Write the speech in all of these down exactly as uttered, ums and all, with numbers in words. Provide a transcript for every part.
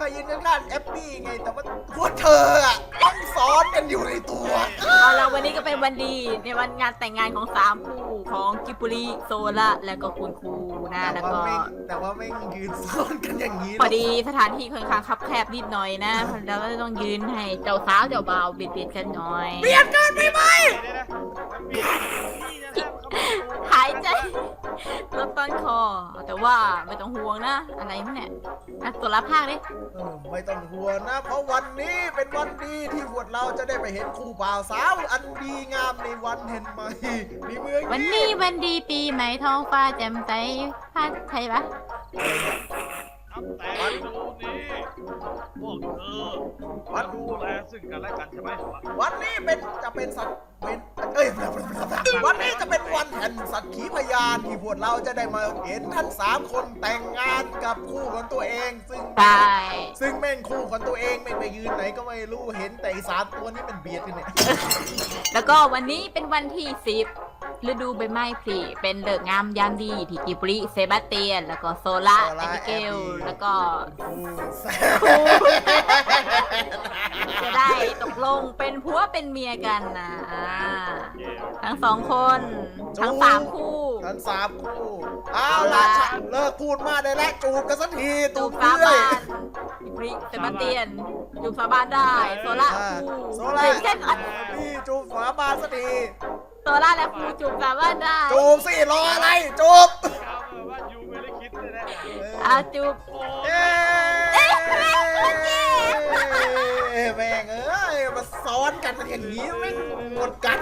ยืนข้างๆแอปปี้ไงแต่ว่าพวกเธออะต้องซ้อนกันอยู่ในตัวเอาละวันนี้ก็เป็นวันดีในวันงานแต่งงานของสามคู่ของกิปุริโซล่าแล้วก็คุณครูนะแล้วแต่ก็ว่าไม่แต่ว่าไม่ยืนซ้อนกันอย่างนี้หรพออก ดีสถานที่ค่อนข้างคับแคบนิดหน่อยนะแล้วก็ต้องยืนให้เจ้าสาวเจ้าบ่าวเบียดเบียดกันหน่อยเบียดกันไปไหมหายใจลดต้นคอ แต่ว่าไม่ต้องห่วงนะอะไรมั้งเนี่ยอ่ะตัวละภาคดิเออไม่ต้องห่วงนะ เพราะวันนี้เป็นวันดีที่พวกเราจะได้ไปเห็นคู่บ่าวสาวอันดีงามในวันเห็นไหมในเมืองวันนี้วันดีปีใหม่ท้องฟ้าแจ่มใสภาคไทยปะครับแต่ดูนี่พวกเธอมาดูแลซึ่งกันและกันใช่ไหมวันนี้เป็นจะเป็นสัตว์เป็นเอ้ยวันนี้จะเป็นวันแห่งสัตว์ขีพยานที่พวกเราจะได้มาเห็นทั้งสามคนแต่งงานกับคู่ของตัวเอง ซึ่งใช่ซึ่งแม่งคู่ของตัวเองไม่ไปยืนไหนก็ไม่รู้เห็นแต่อีสามตัวนี้เป็นเบียดกันเนี่ยแล้วก็วันนี้เป็นวันที่สิบฤดูใบไม้ผลิเป็นเลิกษ์งามยามดีที่กิบริเซบาสเตียน แล้วก็โซล่าแอบิเกลแล้วก็ครูจะได้ตกลงเป็นผัวเป็นเมียกันนะอ่าทั้งสองคนทั้งสามคู่ทั้งสามคู่เอาล่ะเลิกพูดมากได้แล้วจูบกันสักทีจูตูบบ สาเพื่บาอยนกิบริเซบาสเตียนจูบสาบานได้โซล่าคู่โซล่าเด็กแค่อันพี่จูบฝาบานสักทีโซล่าและครูจูบสาบานได้จูบสิรออะไรจูบเอาแบบว่ายูไม่ได้คิดเลยนะอาจูบโอ้เอ๊ะแม่งเอ้ยมาซ้อนกันอย่างนี้ไม่หมดกัน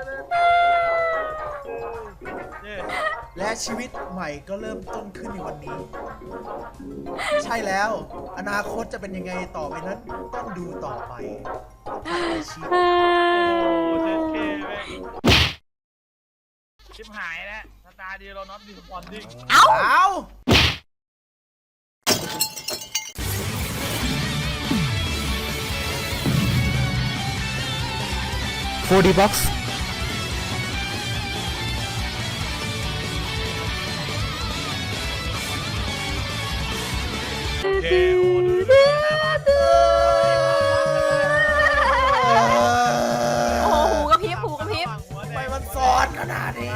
เย่และชีวิตใหม่ก็เริ่มต้นขึ้นในวันนี้ ใช่แล้ว อนาคตจะเป็นยังไงต่อไปนั้นต้องดูต่อไปทางอาชีพโอ้เจ๊เคแม่งชิบหายแล้วสตาร์ดีเราน็อตดีสปอนดิ้งเอ้าเอาโฟร์ ดี บ็อกซ์โอเคโอ้ดูดูโอ้โหหูกระพริบหูกระพริบทำไมมันซ้อนขนาดนี้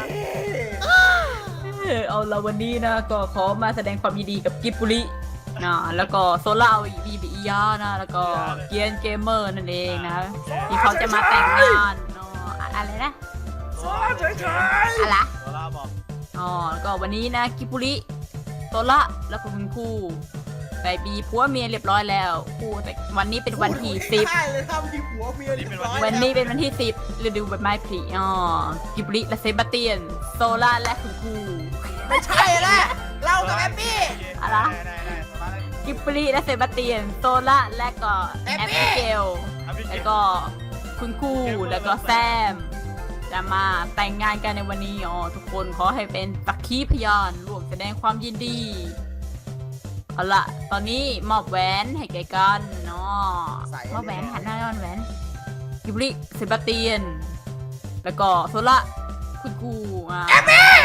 เอาละวันนี้นะก็ขอมาแสดงความยินดีกับกิบบุรินะแล้วก็โซล่าบีบียานะแล้วก็เกียนเกมเมอร์นั่นเองนะที่เขาจะมาแต่งงานเนาะอะไรนะซ้อนเฉยอะไรโซล่าบอกอ๋อแล้วก็วันนี้นะกิบบุริโซล่าแล้วก็คุณครูไปบีผัวเมียเรียบร้อยแล้วคู่แต่วันนี้เป็นๆวันที่สิบได้เลยครับมีผัวเมียเรียบร้อยวันนี้เป็นวันที่สิบฤดูใบไม้ผลิอ๋อกิบลิและเซบาสเตียน โซล่าและคุณครูไม่ใช่แล้วเรากับแอปปี้อะไรได้ได้ได้โซล่าได้กิบลิและเซบาสเตียน โซล่าและก็แอแอปปปี้เปิเกลอ่ะพี่เกแล้วมก็คุณครูแล้วก็แซม จะมาแต่งงานกันในวันนี้อ๋อทุกคนขอให้เป็นสักขีพยานร่วมแสดงความยินดี เอาละตอนนี้มอบแหวนให้แกกันเนาะมอบแหวนหันหน้าย้อนแหวนกิบลิเซบาสเตียน แล้วก็โซล่าคุณครูอ่ะ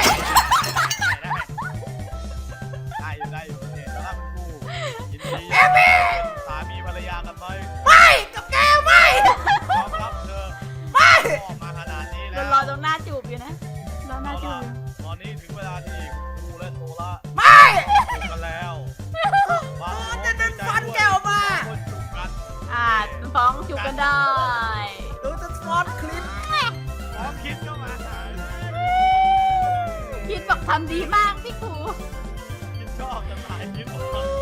ได้อยู่ได้อยู่โอเคแล้วคุณครูยินดีเป็นสามีภรรยากันไหมไม่กับแกไม่ยอมรับเธอไม่ออกมาขนาดนี้เดี๋แล้ยว วรอตรงหน้าจูบอยู่นะรอหน้าเอาจูล่ะบอยู่ตอนนี้ถึงเวลาที่คุณครูและโซล่าไม่จูบกันแล้วบางคจะดึงฟันแกออกมาคนจูบกันอ่าฟ้องจูบกันได้ดูจะซ้อนคลิปพร้อมคิดก็มาหาคิดบอกทำดีมากพี่ครูคิดชอบจะถ่ายคิดบอก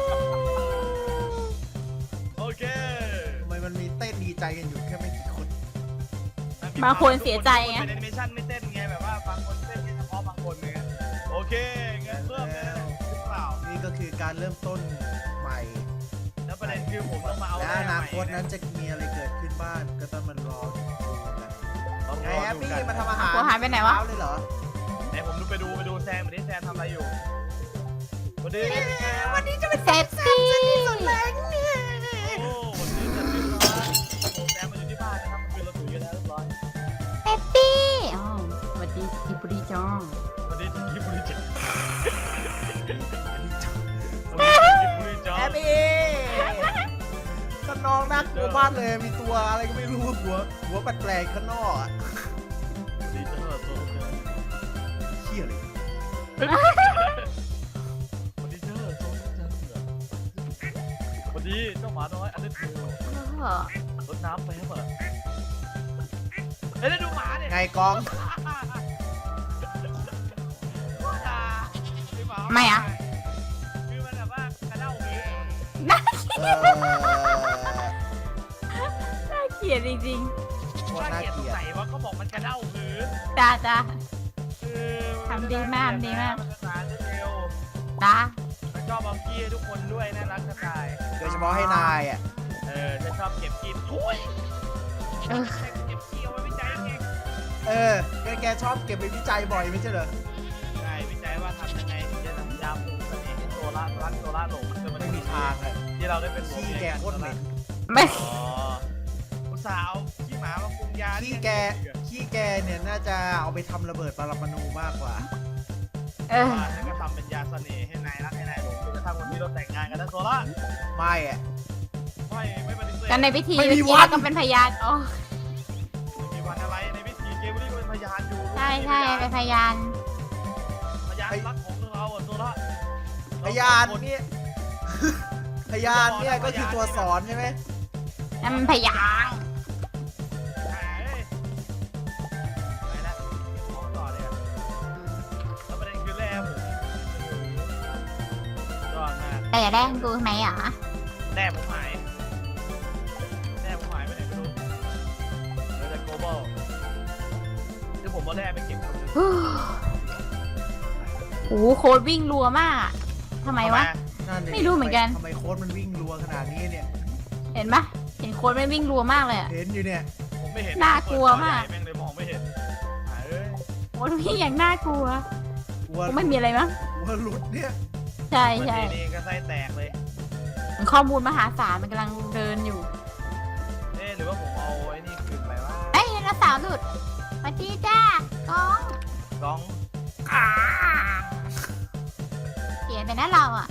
โอเคทำไมมันมีเต้นดีใจกันอยู่แค่ไม่กี่คนบางคนเสียใจไงเป็นแอนิเมชั่นไม่เต้นไงแบบว่าบางคนเต้นแค่เฉพาะบางคนไงโอเคงั้นเริ่มเลยหรือเปล่านี่ก็คือการเริ่มต้นใหม่แล้วประเด็นคือผมต้องมาเอาและแม่อใหนาม่คตนั้นจะมีอะไรเกิดขึ้นบ้างก็ต้องมันรอดูกันต้องไงรอแฮปดูปี้กันมาทำอาหารหัวหายไปไหนวะเช้าเลยเหรอไหนผมดูไปดูไปดูแซมวันนี้แซมทำอะไรอยู่วันนี้วันนี้จะเป็นเซฟซี่สุดแรงเนี่ยโอ้วันนี้จะเป็นร้านแซมมาอยู่ที่บ้านนะครับคือเราถือกันแล้วเรียบร้อยเซฟซี่อ๋อสวัสดีกิบรีจองวันนี้ถึงที่บริจาควันนี้ถึงที่บริจาแฮคปปี้องน่ากลัวมากเลยมีตัวอะไรก็ไม่รู้หัวหัวแปลกๆข้างนอกอะดีเจอโซเจอเหี้ยเลยวันดีเจอโซเจอวันดีเจ้าหมาน้อยอันนี้คือเออรดน้ำไปครับเปิดเฮ้ยดูหมาเนี่ยไงกองไม่อะคือมันแบบว่ากระเด้าหมีน่าเออน่าเกลียดจริงโคตรว่าน่าเกลียดเกสลีงยดสัยว่าเขาบอกมันกระเด้าหรือๆจ้าจ้าคือทำดีมากทำดีมากนภาษาเร็วจ้ามันชอบเอาขี้ให้ทุกคนด้วยน่ารักกระต่ายโดยเฉพาะให้นายอ่ะเออจะชอบเก็บขี้ทุยเออเก็บขี้เอาไว้วิจัยเองเออแกแกชอบเก็บไปวิจัยบ่อยไม่ใช่เหรอใช่วิจัยว่าทำยังไงถึงจะทำยาปลูกเสน่ห์ให้โซล่ารักโซล่าหลงจนมันไม่มีทางเลยที่เราได้เป็นผัวขี้เมียแกกันโคตรเหม็นไม่อ๋ออุตส่าห์เอาขี้หมามาปรุงยาขี้แกขี้แกเนี่ยน่าจะเอาไปทำระเบิดปรมาณูมากกว่าเออว่าฉันก็ทำเป็นยาเสน่ห์ให้นายรักให้นายหลงจนกระทั่งวันนี้เราแต่งงานกันนะโซล่าไม่อ่ะไม่ไม่ปฏิเสธกันในพิธีไม่เมื่อมีกี้วันก็เป็นพยานอ๋อไม่มีวันอะไรในพิธีเกมนี้ก็เป็นพยานอยู่ใช่ใช่เป็นพยานพยานรักของเราอ่ะโซล่าพยานเนี่ย พยานเนี่ยก็คือตัวสอนใช่ไหมนั่นมันพยานไปแล้วมองต่อเลยอะแล้วประเด็นคือแร่ผมยอดมากแต่อย่าได้กูทำไมอ่ะแร่ผมหายแร่ผมหายไปไหนไม่รู้เหลือแต่โกลบอลคือผมเอาแร่ไปเก็บคนหนึงโอ้โหโค้ดวิ่งรัวมากทำไมวะนั่นดิไม่รู้เหมือนกันทำไมโค้ดมันวิ่งรัวขนาดนี้เนี่ยเห็นปะเห็นโค้ดไม่วิ่งรัวมากเลยอะเห็นอยู่เนี่ยผมไม่เห็นน่ากลัวมากแม่งเลยมองไม่เห็นหายเอ้ยโค้ดวิ่งอย่างน่ากลัวกลัวกูไม่มีอะไรมั้งกลัวหลุดเนี่ยใช่วันใช่นี้นี่ก็ไส้แตกเลยมันข้อมูลมหาศาลมันกำลังเดินอยู่เอ๊ะหรือว่าผมเอาไอ้นี่คืนไปว่าเอ้ยนักสาวหลุดสวัสดีจ้ากองกองเขียนไปนะเราอ่ะ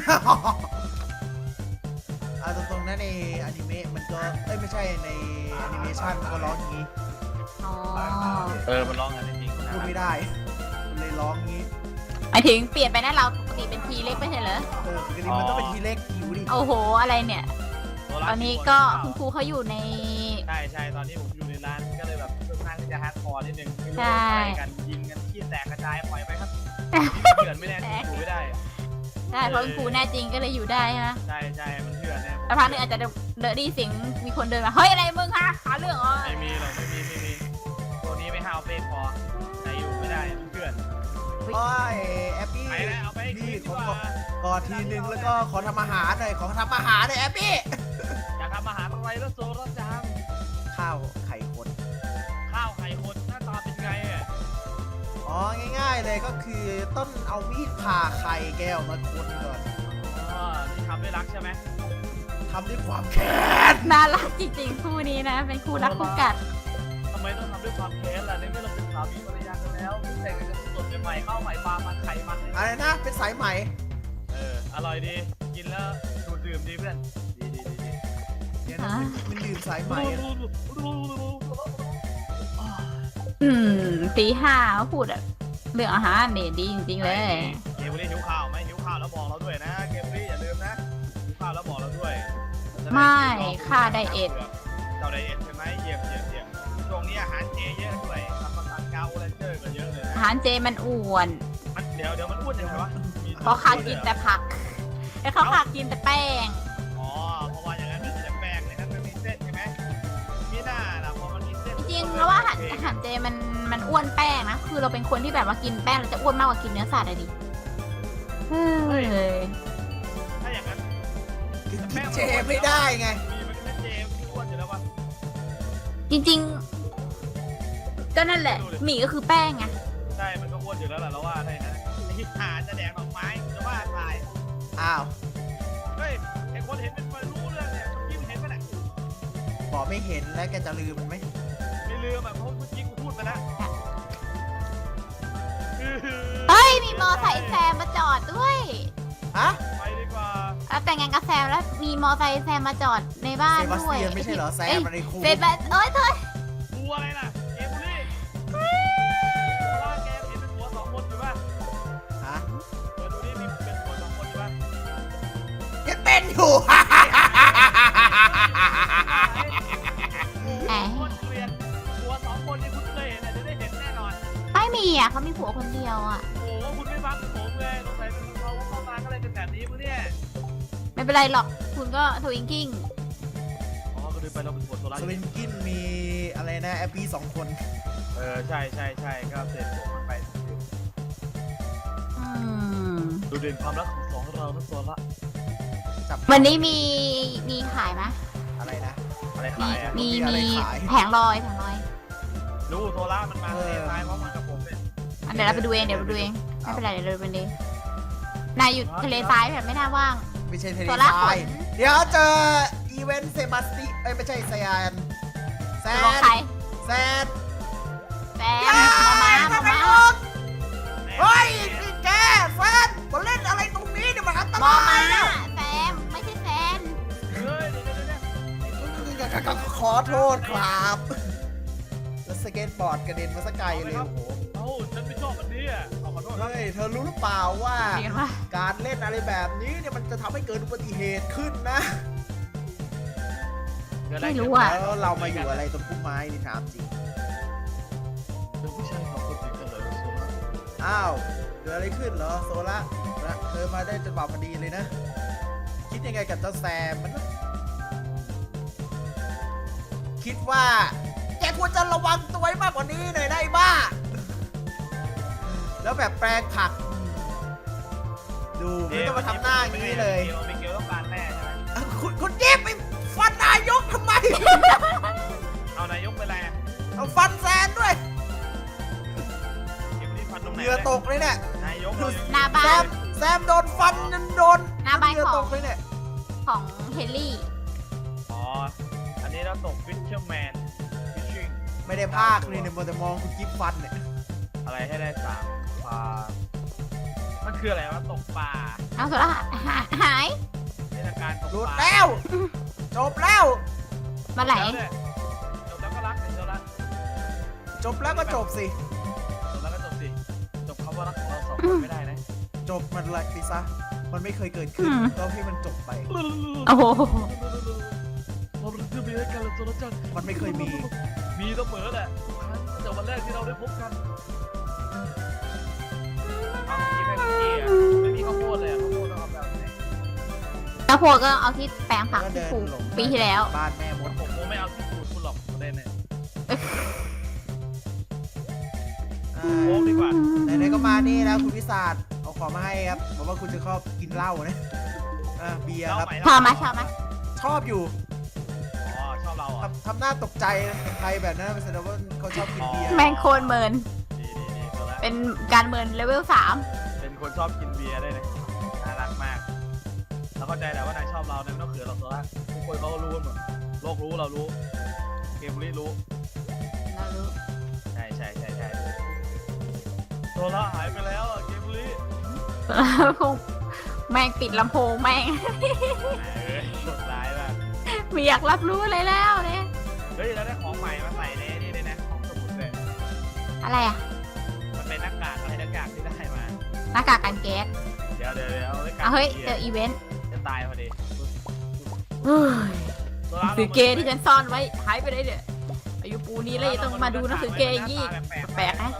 เอาตรงๆนะในอนิเมะมันก็เอ้ยไม่ใช่ในแอนิเมชันมันก็ร้องอย่างนี้อ๋อเออมันร้องกันจริงๆพูดไม่ได้มันเลยร้องงี้หมายถึงเปลี่ยนไปนะเราปกติเป็นทีเล็กไม่ใช่เหรอเออปกติมันต้องเป็นทีเล็กหิวดิโอ้โหอะไรเนี่ย ตอนนี้ก็คุณครูเขาอยู่ในใช่ใช่ตอนนี้ผมอยู่ในร้านก็เลยแบบค่อนข้างที่จะฮาร์ดคอร์นิดนึงไม่รู้ใช่ว่าอะไรกันยิงกันขี้แตกกระจายปล่อยไปครับเถื่อนไม่แน่จริงอยู่ไม่ได้ใช่เพราะคุณครูแน่จริงก็เลยอยู่ได้ใช่ไหมใช่ใช่มันเถื่อนแน่ผมแล้วพักหนึงอาจจะเดอะดีเสียงมีคนเดินมาเฮ้ยอะไรมึงคะหาเรื่องเหรอไม่มีหรอกไม่มีไม่มีตัวนี้ไม่ห้าวเฟ้พอแต่อยู่ไม่ได้มันเถื่อนโอ้ยแอปปี้ไปแล้วเอาไปให้พี่กินดีขกอว่ากอดทีนึงแล้วก็ขอทำอาหารหน่อยขอทำอาหารหน่อยแอปปี้อยากทำอาหารอะไรแล้วโซลจังข้าวไข่คนข้าวไข่คนหน้าตาเป็นไงอ่ะอ๋อง่ายๆเลยก็คือต้นเอามีดผ่าไข่แก้วมาคนก่อนอ๋อนี่ทำด้วยรักใช่ไหมทำด้วยความแค้นน่ารักจริงๆคู่นี้นะ เป็นคู่รักคู่กัดทำไมต้องทำด้วยความแค้นล่ะในเมื่อเราเป็นสามีภรรยากันแล้วเพิ่งแต่งกันสดๆใหม่ๆข้าวใหม่ปลามันไข่มันอะไรนะเป็นสายไหมเอออร่อยดีกินแล้วดูดดื่มดีเพื่อนดีดีดีดีเนี่ยนะมันมันดื่มสายไหมอะอืมตีห้าเขาพูดอะเรื่องอาหารเนี่ยดีจริงๆเลยเกมบุรีหิวข้าวไหมหิวข้าวแล้วบอกเราด้วยนะเกมบุรีอย่าลืมนะหิวข้าวแล้วบอกเราด้วยไม่ค่าไดเอทเจ้าไดเอทใช่ไหมเยี่ยมเยี่ยมเยี่ยมช่วงนี้อาหารเจเยอะด้วยทำมาสั่งกาโอเรนเจอร์ก็เยอะเลยอานะหารเจมันอ้วนมันเดี๋ยวเดี๋ยวมันอ้วนยังไงวะมีเพราะข้ากินแต่ผักแล้วเขาขากินแต่แป้งอ๋อเพราะว่าอย่างนั้นมันจะแป้งในนั้นมันมีเส้นใช่ไหมมีหน้าล่ะพอมันมีเส้นจริงๆแล้วว่าอาหารอาหารเจมันมันอ้วนแป้งนะ คือเราเป็นคนที่แบบว่ากินแป้งเราจะอ้วนมากกว่ากินเนื้อสัตว์อะดิเฮ้ยถ้าอย่างนั้นกินเจไม่ได้ไงมีมันเป็นเจมที่อ้วนอยู่แล้ววะจริงๆ ก็นั่นแหละหมี่ก็คือแป้งไงใช่มันก็อ้วนอยู่แล้วแหละเราว่าใช่นะไอ้ที่หาจะแดกดอกไม้จะว่าตายอ้าวเฮ้ยไอ้คนเห็นเป็นคนรู้เรื่องเนี่ยเมื่อกี้มันเห็นปะเนี่ยบอกไม่เห็นแล้วแกจะลืมมันไหมไม่ลืมอ่ะเพราะเมื่อกี้กูพูดไปแล้วเฮ้ย มีมอไซค์แซมมาจอดด้วยฮะไปดีกว่าเอแล้วแต่งงานกับแซมแล้วมีมอไซค์แซมมาจอดในบ้านเซบาสด้วยเตียนไม่ใช่เหรอแซมอะไรครูเซบาสเอ้ยเธอกูอะไรล่ะเกมบุรีโซล่าแกเห็นเป็นหัวสองคนอยู่ป่ะฮะเออดูนี่มีเป็นหัวสองคนอยู่ป่ะยังเป็นอยู่แหมโคตรเกลียดหัวสองคนที่คุณเคยเห็นอ่ะจะได้เห็นแน่นอนไม่มีอ่ะเขามีผัวคนเดียวอ่ะโอ้โหคุณไม่ฟังผมเลยสงสัยเขาเข้ามาก็เลยเป็นแบบนี้มึงเนี่ยไม่เป็นไรหรอกคุณก็ทวิงกิ้งอ๋อก็เลยไปเราเป็นหัวโซล่าสวินกินมีอะไรนะแอปปี้สองคนเออใช่ใช่ใช่ก็เสร็จผมมันไปอืมดูเด่นความรักของสองเรานะโซล่าจับวันนี้มีมีขายไหมอะไรนะอะไรมีขายอ่ะมีมีอะไรมีขายแผงลอยแผงลอยดูโซล่ามันมาเออเตะซ้ายพร้อมกันกับผมเลยอันเดี๋ยวเราไปดูเองเดี๋ยวไปดูเองไม่เป็นไรเดี๋ยวเราไปดูเองนายอยู่ทะเลทรายแบบไม่น่าว่างไม่ใช่เทเลโซล่าไฟขนเดี๋ยวเจออีเวนต์เซบาสติเอ้ยไม่ใช่แซนแซจะบอกนใครแซนแซมมามามามาเฮ้ยนี่แกแซนมาเล่นอะไรตรงนี้เนี่ยมันอันตมอรายมานะแซมไม่ใช่แซนเฮ้ยเดี๋ยวเดี๋ยวเดี๋ยวขอโทษครับแล้วสเก็ตบอร์ดกระเด็นมาสักไกลเลยโอ้โหเอ้าฉันไม่ชอบอันนี้อ่ะเอาขอโทษครับเฮ้ยเธอรู้หรือเปล่าว่าเรียกว่าการเล่นอะไรแบบนี้เนี่ยมันจะทำให้เกิดอุบัติเหตุขึ้นนะไม่รู้อ่ะแล้วเรามาอยู่อะไรตรงพุ่มไม้นี่ถามจริงเป็นผู้ชายของคนติดกันเลยโซล่าอ้าวเกิดอะไรขึ้นเหรอโซล่านะเธอมาได้จังหวะพอดีเลยนะ คิดยังไงกับเจ้าแซมมันนะคิดว่าแกควรจะระวังตัวให้มากกว่านี้หน่อยนะไอ้บ้า แล้วแบบแปลงผัก ดูไม่ต้องมาทำหน้าอย่างนี้เลยเกลเกลต้องการแร่ใช่ไหมคุณคุณเย็บไปฟันนายกทำไมเอานายกไปแร่เอาฟันแซนด้วยเกมนี้ฟันตรงไหนเหงื่อตกเลยเนี่ยนายกดูหน้าแซบ้านมแซมโดนฟันจนโดนหน้าบ้านเหงื่อขตองกเลยเนี่ยของเฮนรี่อ๋ออันนี้เราตกฟิชเชอร์แมนฟิชชิ่งไม่ได้ภาคเลยเนี่ยมัวแต่มองคุณกิฟฟันเนี่ยอะไรให้ได้สามปลามันคืออะไรวะตกปลาเอาสุดละหาหายเทศกาลตกหลุดปลาแล้ว จบแล้วมาไหลแล้วเนี่ยจบแล้วก็รักเดี๋ยวละจบแล้วก็จบสิจบแล้วก็จบสิจบคำว่ารักของเราสองคนไม่ได้นะจบมันเลยไปซะ มันไม่เคยเกิดขึ้นก็ให้มันจบไปโอ้โหเราจะมีให้กันเลยโซลจันมันไม่เคยมีมีเสมอแหละตั้งแต่วันแรกที่เราได้พบกันเอากินให้คุกกี้อ่ะไม่มีข้าวโพดเลยอ่ะข้าวโพดต้องเอาแบบไหนแล้วโพก็เอาที่แปลงผักก็ที่เดินปลูกหลงปีที่แล้วบ้านแม่มดผมผมไม่เอาที่สูตรคุณหรอกประเด็นเนี่ยอ่โค้กดีกว่าาไหนๆก็มานี่แล้วคุณวิสาดเอาของมาให้ครับบอกว่าคุณจะชอบกินเหล้านะอ่าเบียร์ครับชอบไหมชอบไหมชอบอยู่อ๋อชอบเราอ่ะทำทำหน้าตกใจนะใครแบบนั้นแสดงว่าเขาชอบกินเบียร์แมงโคนเมินดีดีดีตัวละเป็นการเมินเลเวลสามเป็นคนชอบกินเบียร์ด้วยนะน่ารักมากเราเข้าใจแหละว่านายชอบเรานายไม่ต้องเขินหรอกตัวละทุกคนเขาก็รู้กันหมดโลกรู้เรารู้ เกมรีรู้เรารู้ใช่ใช่ใช่ใช่ตัวละหายไปแล้วอ่ะเกมรีคงแม่งปิดลำโพงแม่งเอ้ยกดร้ายมากไม่อยากรับรู้เลยแล้วเนี่ยเฮ้ยแล้วได้ของใหม่มาใส่ในนี่ด้วยนะของสมุดเลยอะไรอ่ะมันเป็นหน้ากากอะไรหน้ากากที่ได้มาหน้ากากกันแก๊สเดี๋ยวเดี๋ยวเดี๋ยวเอาไว้กัเอาเฮ้ยหี้เจออีเวนต์จะตายพอดีเฮ้ยตัวหนัละงสือเกย์ที่ฉันซ่อนไว้หายไปเลยเนี่ยอายุปูนี้เลยต้องมาดูหนังสือเกย์อย่างนี้แปลกๆนะ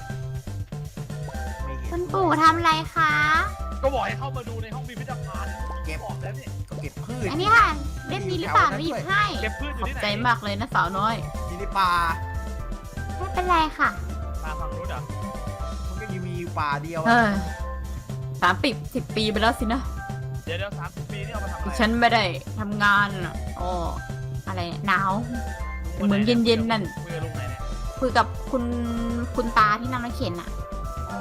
ไม่เห็นคุณปู่ทำอะไรคะก็บอกให้เข้ามาดูในห้องพิพิธภัณฑ์เก็บออกแล้วนี่ก็เก็บพืชอันนี้ค่ะเล่มนี้หรือเปล่าหนูหยิบให้เก็บพืชอขยู่อบที่ไหนใจมากเลยนะสาวน้อยอยู่ในป่าไม่เป็นไรค่ะตาฟังรู้อ่ะมันก็ยังมีป่าเดียวเออะอสามปีสิบปีไปแล้วสินะเดี๋ยวเดี๋ยวสามสิบปีนี่เอามาทำอะไรฉันไม่ได้ทำงานอ่ะอ๋ออะไรเนี่ยหนาว เหมือนเย็นๆนั่นคุยกับลุงไหนเนี่ยคุยกับคุณคุณตาที่นั่งรถเข็นอ่ะอ๋อ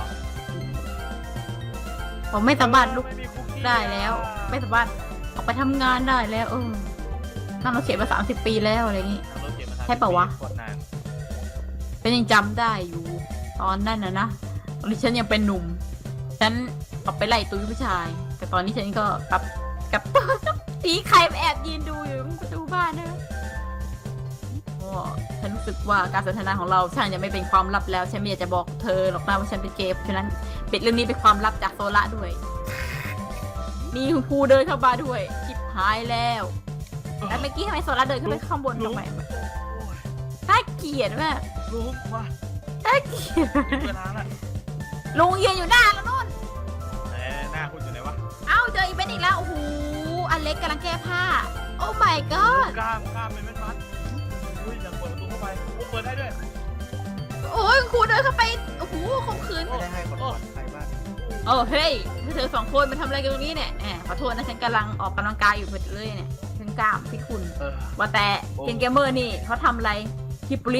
ผมไม่สามารถลุกไม่มีคุกกี้ได้แล้ว ไม่สามารถออกไปทำงานได้แล้วเออนั่งรถเข็นมาสามสิบปีแล้วอะไรอย่างงี้เอารถเก็บมาทำใช่ปะวะกดนานเป็นยังจำได้อยู่ ตอนนั้นนะนะตอนที่ฉันยังเป็นหนุ่ม ฉันออกไปไล่ตุ้ยผู้ชาย แต่ตอนนี้ฉันก็กลับกับตีใครแอบยืนดูอยู่ประตูบ้านนะโอ้ฉันรู้สึกว่าการสนทนาของเราช่างจะไม่เป็นความลับแล้วฉันไม่อยากจะบอกเธอหรอกนะว่าฉันเป็นเกย์ฉะนั้นปิดเรื่องนี้เป็นความลับจากโซล่าด้วยนี่คุณครูเดินเข้ามาด้วยชิบหายแล้วแล้วเมื่อกี้ทำไมโซล่าเดินขึ้นไปข้างบนทำไมน่าเกลียดมากลุงมาน่าเกลียดเวลาละลุงยืนอยู่หน้าแล้วนู่นเอ้หน้าคุณอยู่ไหนวะเอ้าเจออีเวนต์อีกแล้วโอ้โหอเล็กกำลังแก้ผ้าโอ้ my god กล้ามกล้ามเป็นมัดอุ้ยอยากเปิดประตูเข้าไปโอ้เปิดได้ด้วยโอ้ยครูเดินเข้าไปโอ้โหข่มขืนไม่ได้ให้คนก่อนใครบ้างโอ้เฮ้ยเธอสองคนมาทำอะไรกันตรงนี้เนี่ยแหมขอโทษนะฉันกำลังออกกำลังกายอยู่พอดีเลยเนี่ยฉันกล้ามพี่คุณเออว่าแต่เกมเกมเมอร์นี่เขาทำอะไรฮิปปุริ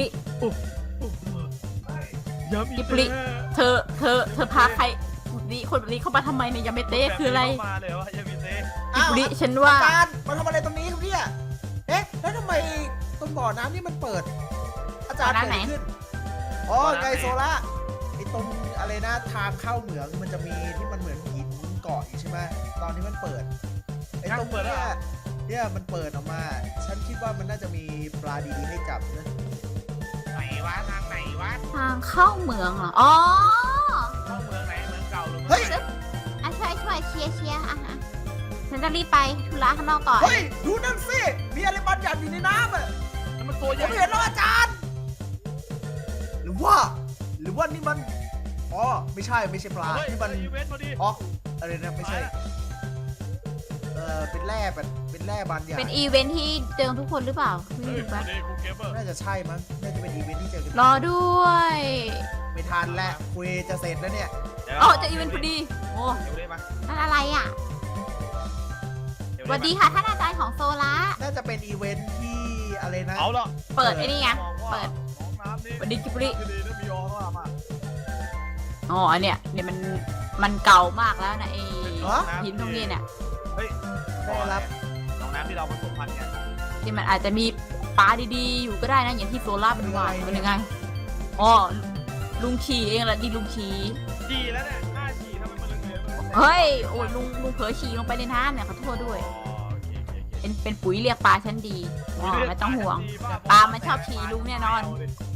ย้ำอีฮิกปปุริเธอเธอเธอพาใครนี่คนแบบนี้เข้ามาทำไมเนี่ยยาเมเต้คืออะไรมาเลยวะยามิเต้ฮิปปุริฉันว่าอาจารย์มาทำอะไรตรงนี้ครับเนี่ยเอ๊ะแล้วทำไมตรงบ่อน้ำนี่มันเปิด อาจารย์เกิดอะไรขึ้นอ๋อไงโซล่าไอ้ตรงอะไรนะทางเข้าเหมืองมันจะมีที่มันเหมือนหินเกาะอยู่ใช่ไหมตอนที่มันเปิดไอ้ตรงเนี้ยเนี่ยมันเปิดออกมา ฉันคิดว่ามันน่าจะมีปลาดีๆให้จับนะไหนวะทางไหนวะทางเข้าเมืองเหรออ๋อเข้าเมืองไหนเมืองเก่าหรือเฮ้ยอ่ะช่วยช่วยเชียร์เชียร์อ่ะฮะฉันจะรีบไปธุระข้างนอกก่อนเฮ้ยดูนั่นสิมีอะไรบางอย่างอยู่ในน้ำอ่ะมันตัวใหผญ่มเห็นแล้วอาจารย์ หรือว่า หรือว่านี่มันอ๋อไม่ใช่ไม่ใช่ปลานี่มันอีเวนต์พอดีออกอะไรนะไม่ใช่เออเป็นแร่แบบเป็นแร่บางอย่างเป็นอีเวนท์ที่เจอทุกคนหรือเปล่าไม่เฮ้ยรู้พอปะดีกูเก็บเบอร์น่าจะใช่มั้งน่าจะเป็นอีเวนท์ที่เจอกันรอด้วยไม่ทันแล้วคุยจะเสร็จแล้วเนี่ยอ๋อเจออีเวนท์พอดีโอ้เดี๋ยวได้ปะนั่นอะไรอ่ะเดี๋ยวสวัสดีค่ะท่านอาจารย์ของโซล่าน่าจะเป็นอีเวนท์ที่อะไรนะเอาละเปิดไอ้นี่ไงบอกว่าเปิดน้องน้ำนี่สวัสดีกิบริดีนะมีออร่ามากอ๋ออันเนี้ยเนี่ยมันมันเก่ามากแล้วนะไอ้หินตรงนี้เนี่ยเฮ้ยได้รับน้องน้ำที่เราผสมพันธุ์กันที่มันอาจจะมีปลาดีๆ อยู่ก็ได้นะอย่างที่โซล่าเป็นว่าเป็นยังไงอ๋อลุงชีเองแหละดีลุงชีดีแล้วเนี่ยหน้าฉี่ทำไมมันเหลืองๆเฮ้ยโอ้ยลุงลุงเผลอฉี่ลงไปในน้ำเนี่ยขอโทษด้วยอ๋อโอเคโอเคโอเคเป็นเป็นปุ๋ยเรียกปลาชั้นดีอ๋อไม่ต้องห่วง ปลามันชอบฉี่ลุงแน่นอน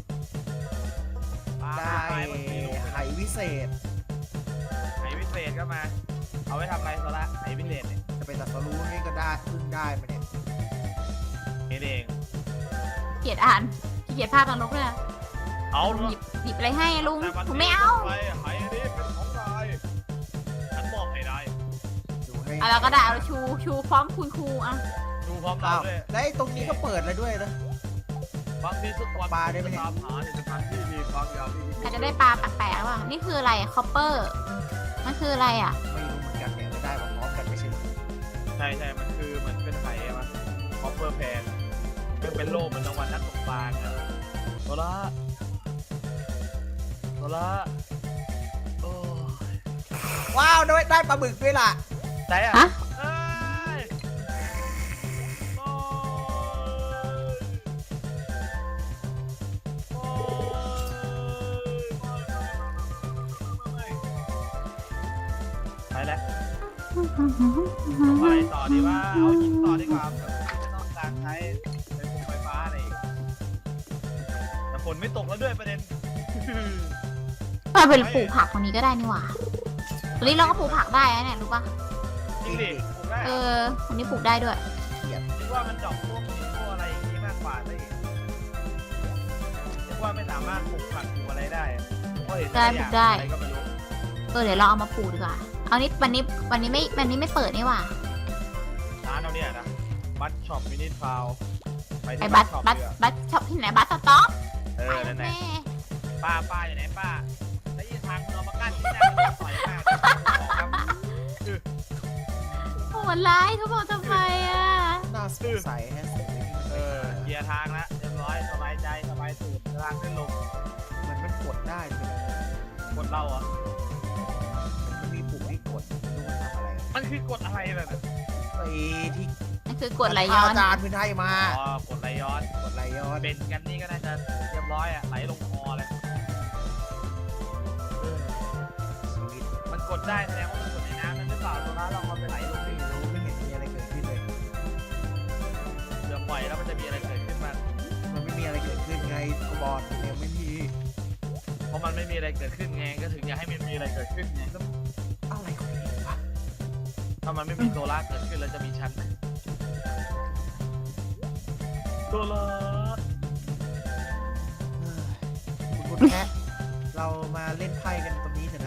ได้ปลามันฉี่ลุงไหวิเศษไหวิเศษก็มา เอาไว้ทำอะไรซะละไหวิเศษเนี่ยจะไปตัดสรู้นี่ก็ได้พึ่งได้มาเนี่ยเองเองเกลียดอ่านขี้เกียจภาพทางนกเลยเอาหยิบหยิบอะไรให้ลุงแต่วันผมนี้ไม่เอาไปไหนี้เป็นของนายฉันบอกให้ได้ดูให้เอาแล้วก็ได้เอาชูชูพร้อมคุณครูอ่ะดูพร้อมเราอ้าวด้วยแล้วไอ้ตรงนี้ก็เปิดแล้วด้วยนะบางทีสักวันปลาได้ไหมเนี่ยตามหาในสถานที่มีความยาวที่ดีอาจจะได้ปลาแปลกๆว่ะนี่คืออะไรคอปเปอร์มันคืออะไรอ่ะไม่รู้เหมือนกันเนี่ยไม่ได้มาพร้อมกันไม่ใช่เหรอใช่ใช่มันคือเหมือนเป็นไข่อะมันคอปเปอร์แพนมันเป็นโล่เหมือนรางวัลนักตกปลาอะโซล่าโซล่าโอ้ยว้าวได้ได้ปลาบึกด้วยล่ะไหนอะฮะเอ้ยโอ้ยโอ้ยไปแล้วเอาอะไรต่อดีว่าเอาหินต่อดีกว่าไม่ต้องการใช้ไฟฟงไฟฟ้าอะไรอีกแต่ฝนไม่ตกแล้วด้วยประเด็นเราเป็นปลูกผักตรงนี้ก็ได้นี่หว่าตรงนี้เราก็ปลูกผักได้นะเนี่ยรู้ปะจริงดิผมได้เออะอตรงนี้ปลูกได้ด้วยคิดว่ามันดอกพวกหินพวกอะไรอย่างนี้มากกว่าซะอีกคิดว่าไม่สามารถปลูกผักปลูกอะไรได้อะเพราะเห็นแต่ละอย่างอะไรก็ไม่รู้เออเดี๋ยวเราเอามาปลูกดีกว่าเอานี้วันนี้วันนี้ไม่วันนี้ไม่เปิดนี่หว่าร้านเราเนี่ยนะบัตช็อปมินิทาวไปไอ้ที่บับัสตช็อปบัสเถอะบัสช็อปที่ไหนบัสสต็อปเอไปอนั่นแหละแม่ป้าป้าอยู่ไหนป้าแล้วยี่ทางคุณเอามากั้นที่หน้ามันต่อยมากครับโหดร้ายทุกคนทำไมอ่ะน่าสงสัยแฮะสิ่งนี้เออเคลียร์ทางแล้วเรียบร้อยสบายใจสบายตูดทางขึ้นลงมันมันกดได้ใช่ไหมกดเราอ่ะมันมีปุ่มให้กดไม่รู้มันทำอะไรอะมันคือกดอะไรแบบนั้นไอ้ที่นั่นคือกดไหลย้อนอาจารย์พื้นให้มาอ๋อกดไหลย้อนกดไหลย้อนเป็นกันนี่ก็น่าจะเรียบร้อยอ่ะไหลลงคอเลยเออชีวิตมันกดได้แสดงว่ามันกดในน้ำนั่นหรือเปล่าตัวร้านเราเอาไปไหลลงไม่ดิรู้ไม่เห็นมีอะไรเกิดปล่อยแล้วมันจะมีอะไรเกิดขึ้นบ้างมันไม่มีอะไรเกิดขึ้นไงก็บอลเนี่ยไม่มีเพราะมันไม่มีอะไรเกิดขึ้นไงก็ถึงอยากให้มันมีอะไรเกิดขึ้นไงอะไรของนี่วะถ้ามันไม่มีโซล่าเกิดขึ้นแล้วจะมีชั้นไหมโซล่าเอ้ยคุณคุณแพะเรามาเล่นไพ่กันตรงนี้เถอะนะ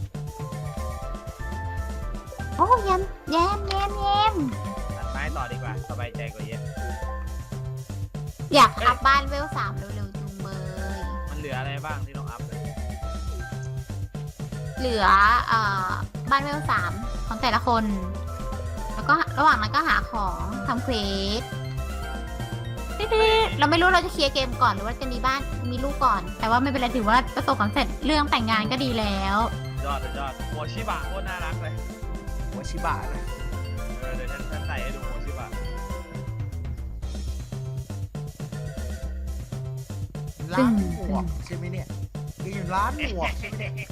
โอ้ยมแยมแยมแยมตัดไม้ต่อดีกว่าสบายใจกว่าเยอะอยากอัพบ้านเวลสามเร็วๆจุงเบยมันเหลืออะไรบ้างที่ต้องอัพเลยเหลือเอ่อบ้านเวลสามของแต่ละคน แล้วก็ระหว่างนั้นก็หาของทำเควสติ๊ดๆเราไม่รู้เราจะเคลียร์เกมก่อนหรือว่าจะมีบ้านมีลูกก่อน แต่ว่าไม่เป็นไรถือว่าประสบความสำเร็จเรื่องแต่งงานก็ดีแล้วยอดยอดโมชิบะโคตรน่ารักเลยหัวชิบะนะเออเดี๋ยวฉันฉันใส่ให้ดูโมชิบะร้านหมวกใช่ไหมเนี่ยแกอยู่ร้านหมวกใช่ไหมเนี่ย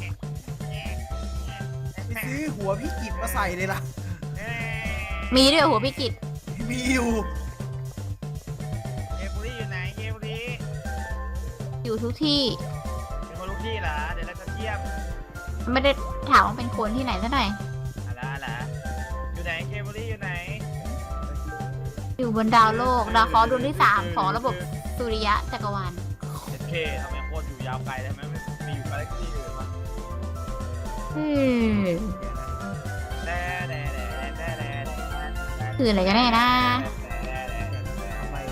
ไปซื้อหัวพี่กิจมาใส่เลยล่ะมีด้วยหัวพิกิตมีอยู่เกมบุรีอยู่ไหนเกมบุรีอยู่ทุกที่เป็นคนลูกพี่เหรอเดี๋ยวเราจะเทียบไม่ได้ถามว่าเป็นคนที่ไหนซะหน่อยอะไรอะไรอยู่ไหนเกมบุรีอยู่ไหนอยู่บนดาวโลก ดาวเคราะห์ดวงที่สามของระบบสุริยะจักรวาลเอสเคทำไมโคตรอยู่ยาวไกลทำไมไม่มีอยู่กาแล็กซี่อื่นมาอืมแด่แด่แด่แด่แด่คืออะไรกันแน่นะทำไม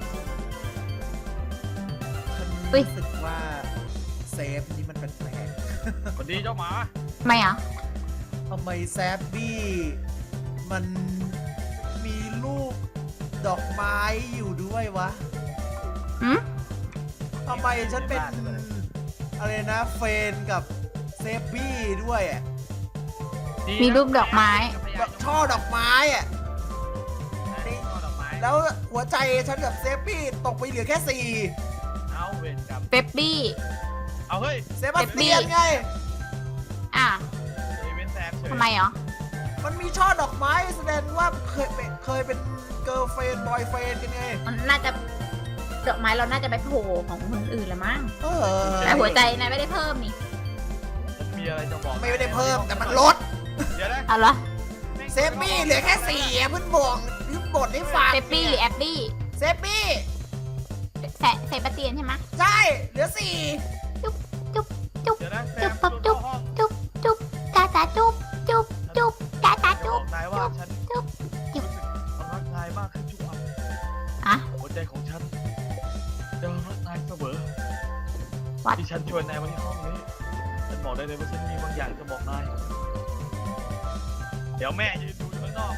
ฉันอุ๊ยรู้สึกว่าเซฟนี่มันแปลกสวัสดีเจ้าหมาไม่เหรอๆทำไมแซฟบี้มันมีลูกดอกไม้อยู่ด้วยวะหืมทำไมฉันเป็นอะไรนะเฟนกับเซฟบี้ด้วยอ่ะมีรูปดอกไม้แบบช่อดอกไม้อ่ะช่อดอกไม้แล้วหัวใจฉันกับเซฟบี้ตกไปเหลือแค่สี่เอาเวรกรรมเป๊ปปี้เอาเฮ้ยเซบาสเตียนไงอ่ะอีเวนต์แซมเฉยทำไมเหรอมันมีช่อดอกไม้แสดงว่าเคยเป็นเคยเป็นเกิร์ลเฟนบอยเฟนกันไงมันน่าจะดอกไม้เราน่าจะไปโผล่ของคนอื่นละมั้งเออแต่หัวใจนายไม่ได้เพิ่มนี่ผมมีอะไรจะบอกไม่ได้เพิ่มแต่มันลดเดี๋ยวนะเอาละเซฟบี้เหลือแค่สี่อะเพิ่งบอกเพิ่งบทให้ฟังเป๊ปปี้หรือแอปปี้เซฟบี้แสใส่ปะเตียนใช่ไหมใช่เหลือสี่จุ๊บจุ๊บจุ๊บเดี๋ยวนะแซจุ๊มบปั๊บจุ๊บเข้าห้องจุ๊บจุ๊บจ้าจ้าจุ๊บจุ๊บจุ๊บจ้าจ้าจะบจุ๊อบ กนายว่าฉันจุ๊บจุ๊บรู้สึกรักนายมากขึ้นทุกวันอะหัวใจของฉันจะรักนายเสมอวัดที่ฉันชวนนายมาที่ห้องนี้ ฉันบอกได้เลยว่าฉันมีบางอย่างจะบอกนาย เดี๋ยวแม่ยืนดูอยู่ข้างนอก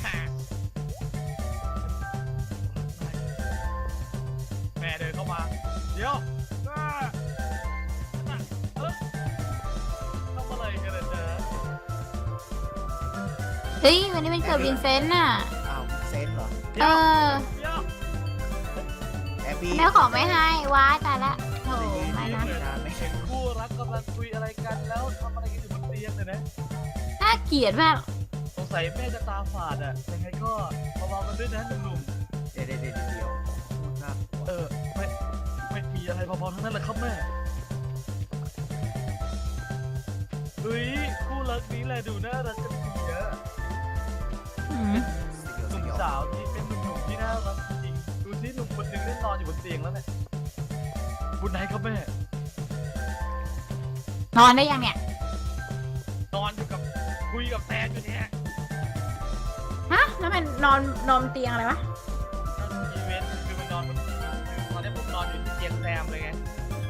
แม่เดินเข้ามา เดี๋ยวอ่าน่ะเอ้อทำอะไรกันเนี่ยเจ๊เฮ้ยวันนี้เป็นเกิดวินเซนต์น่ะอ้าวเซนเหรอเออเดี๋ยวแอบบี้แม่ของไม่ให้ว้ายตายละโถไม่นะเหมือนไม่เห็นคู่รักกำลังคุยอะไรกันแล้วทำอะไรกันอยู่บนเตียงเลยนะน่าเกลียดมากสงสัยแม่จะตาฝาดอ่ะ ยังไงก็ระวังกันด้วยนะหนุ่มเดี๋ยวเดี๋ยวเดี๋ยวเดี๋ยวโคตรน่ากลัวๆเออ ไม่ ไม่มีอะไรพอๆทั้งนั้นแหละครับแม่เฮ้ยคู่รักนี้แหละดูน่ารักกันดีอะอืมหนุ่มสาวที่เป็นหนุ่มๆที่น่ารักจริงๆดูสิหนุ่มคนหนึงได้นอนอยู่บนเตียงแล้วเนี่ยบุญไหนครับแม่นอนได้ยังเนี่ยนอนอยู่กับคุยกับแฟนอยู่เนี่ยฮะ แล้วมันนอนนอนเตียงอะไรวะอีเวนต์คือมันนอนบนคือตอนนี้ผมนอนอยู่ที่เตียงแซมเลยไง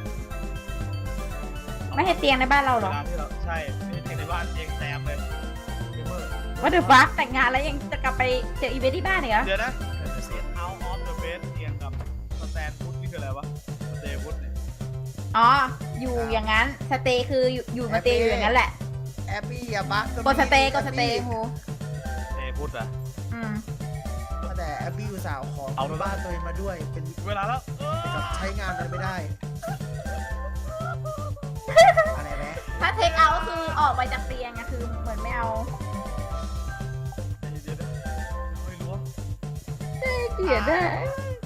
ไม่ใช่เตียงในบ้านเราเหรอวลที่เราใช่ไม่ใช่เตียงในบ้านเตียงแซมเลยเกมเมอร์ว่าเดือฟักแต่งงานแล้วยังจะกลับไปเจออีเวนต์ที่บ้านอีกเหรอเดี๋ยวนะเอาออฟเดอะเบสเตียงกับสแตนฟุตนี่คืออะไรวะสเตย์ฟุตเนี่ยอ๋อ อยู่อย่างนั้น สเตย์คืออยู่อยู่มาเตย์อยู่อย่างนั้นแหละแอบบี้อย่าบักกดสเตย์กดสเตย์โหสเตย์ฟุตอะอืมแต่แอบบี้อุตส่าห์เอาของเอาไปบ้านตัวเองมาด้วยเป็นเวลาแล้วเออกับใช้งานมันไม่ได้อะไรแม่ถ้าเทคเอาท์ก็คือออกไปจากเตียงอะคือเหมือนไม่เอาเดี๋ยวๆๆไม่รู้ว่าเกลียดได้เ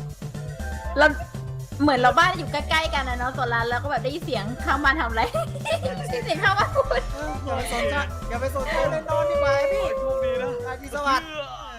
เราเหมือนเราบ้านอยู่ใกล้ๆกันนะเนาะโซลาแล้วก็แบบได้ยินเสียงข้างบ้านทำอะไรได้ยินเสียงข้างบ้านพูดเอออย่าไปสนใจอย่าไปสนใจเลยนอนดีกว่าไอ้พี่โชคดีนะราตรีสวัสดิ์เออ